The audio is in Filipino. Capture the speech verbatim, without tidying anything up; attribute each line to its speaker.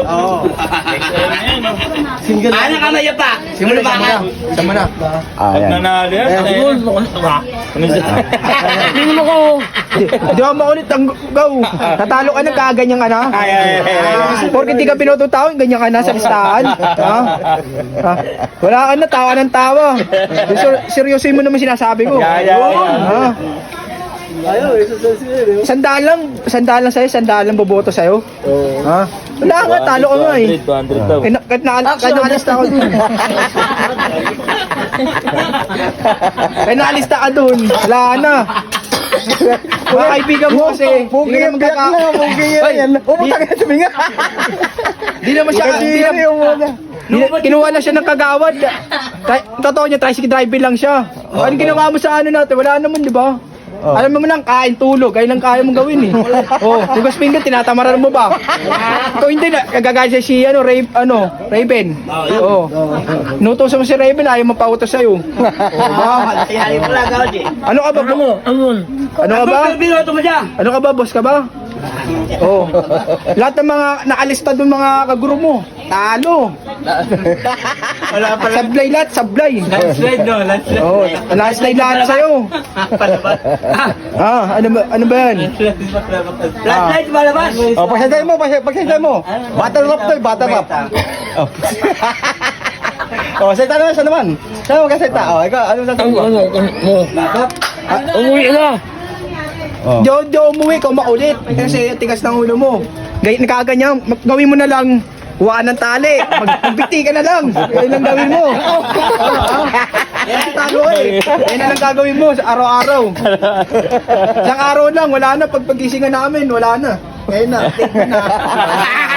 Speaker 1: Oo.
Speaker 2: Single.
Speaker 1: Ano ka na yata?
Speaker 2: Simula
Speaker 1: Ano ba
Speaker 2: sama
Speaker 1: ka?
Speaker 2: na. Sama na.
Speaker 3: Ah, yan.
Speaker 4: Nanalo yan.
Speaker 2: Ayan,
Speaker 4: Siguro,
Speaker 2: Hindi mo ko. Di ako maulit ang go. Tatalo ka na kaganyan ka na.
Speaker 4: Ay, ay, ay, ay.
Speaker 2: Porque di ka pinututawin, ganyan ka na sa listahan. Ha? Ha? Wala ka na, tawa ng tawa. Ser- seryosin mo naman sinasabi ko.
Speaker 4: Yeah, yeah, yeah.
Speaker 2: Ha?
Speaker 1: Ayaw, isa sa sila.
Speaker 2: Sandaan lang, sandaan lang sa'yo, sandaan lang boboto sa'yo. Ha? Wala ka, talo ka nga eh.
Speaker 4: two hundred daw.
Speaker 2: Eh, na- Kahit na, kahit nakalista ka dun. Kahit nakalista ka dun, wala na. Mga kaibigan mo kasi,
Speaker 3: Pugi yung biyak na, pugi yan. Pumunta ka na sa minga.
Speaker 2: di naman siya, di naman, Di- kinuha na siya ng kagawad. Kay- Totoo niya, tricycle driver lang siya. Ano ginawa mo sa ano natin? Wala naman, di ba? Alam mo lang, kain, tulog. Kaya lang kaya mong gawin eh. Oh, hugas pinggan, tinatamaran mo ba? Ito hindi na, gagaya siya si ano, Ray, ano, Raven. Oo. Nutusan mo si Raven, ayaw mapautos sa'yo. Oh, ba?
Speaker 1: Kaya pala ka, Oji.
Speaker 2: Ano ka ba? Ano ka ba?
Speaker 1: Binoto mo siya.
Speaker 2: Ano ka ba, boss ka ba? Oo. Lahat ng mga nakalista doon mga kaguro mo, talo.
Speaker 4: Wala pala.
Speaker 2: Sablay lahat, sablay.
Speaker 4: Landslide, no? Landslide.
Speaker 2: Oo, landslide lahat sa'yo. Ah, ano ba, ano ba yan?
Speaker 1: Last night, malabas.
Speaker 3: Oh, pagsasay mo, pagsasay pagsasay mo. Battle rap to, battle rap. Oh. Oh, salita naman, siya naman. Siya naman kasita. Oh, ikaw, ano sasabi mo?
Speaker 2: Umuwi ka na. Oh. Di, di umuwi ka, makulit. Kasi tigas ng ulo mo. Gay, nakaganyan, mag- gawin mo na lang. Huwaan ng tali. Mag- Magbiti ka na lang. Yan lang gawin mo. Yan si talo eh. Yan na lang gagawin mo sa araw-araw. Isang araw lang, wala na. Pag pagisingan namin, wala na. Kaya na, take na.